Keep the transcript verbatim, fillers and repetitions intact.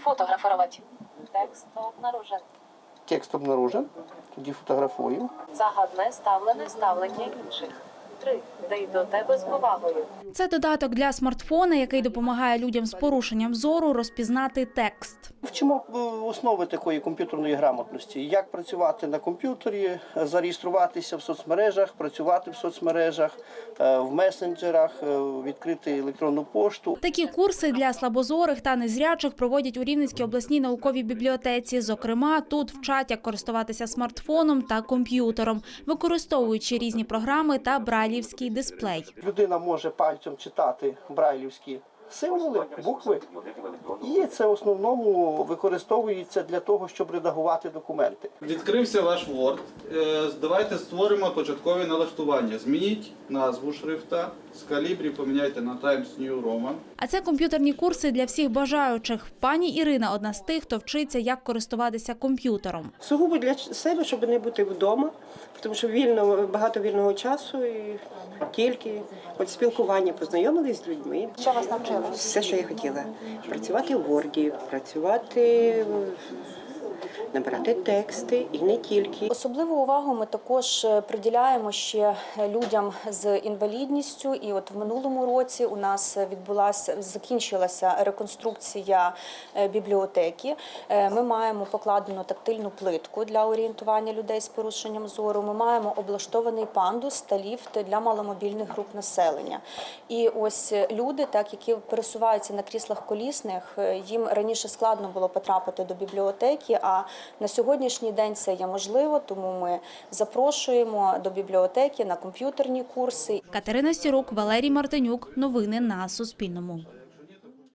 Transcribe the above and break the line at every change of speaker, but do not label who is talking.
Фотографувати. Текст обнаружен.
Текст обнаружен. Тоді фотографуємо.
Загадне ставлене ставлення інших. Три. Дай до тебе з повагою.
Це додаток для смартфона, який допомагає людям з порушенням зору розпізнати текст.
Вчимо основи такої комп'ютерної грамотності. Як працювати на комп'ютері, зареєструватися в соцмережах, працювати в соцмережах, в месенджерах, відкрити електронну пошту.
Такі курси для слабозорих та незрячих проводять у Рівненській обласній науковій бібліотеці. Зокрема, тут вчать, як користуватися смартфоном та комп'ютером, використовуючи різні програми та брайлівський дисплей.
Людина може пальцем читати брайлівські символи, букви, і це в основному використовується для того, щоб редагувати документи.
Відкрився ваш Word. Давайте створимо початкові налаштування. Змініть назву шрифта, з калібрі поміняйте на Times New Roman.
А це комп'ютерні курси для всіх бажаючих. Пані Ірина – одна з тих, хто вчиться, як користуватися комп'ютером.
Сугубо для себе, щоб не бути вдома, тому що вільно, багато вільного часу і тільки от спілкування, познайомились з людьми.
Що вас навчили?
Все, що я хотіла. Працювати в Word, працювати, набирати тексти і не тільки.
Особливу увагу ми також приділяємо ще людям з інвалідністю. І от в минулому році у нас відбулася, закінчилася реконструкція бібліотеки. Ми маємо покладену тактильну плитку для орієнтування людей з порушенням зору. Ми маємо облаштований пандус та ліфт для маломобільних груп населення. І ось люди, так, які пересуваються на кріслах колісних, їм раніше складно було потрапити до бібліотеки, а на сьогоднішній день це є можливо, тому ми запрошуємо до бібліотеки на комп'ютерні курси.
Катерина Сірук, Валерій Мартинюк. Новини на Суспільному.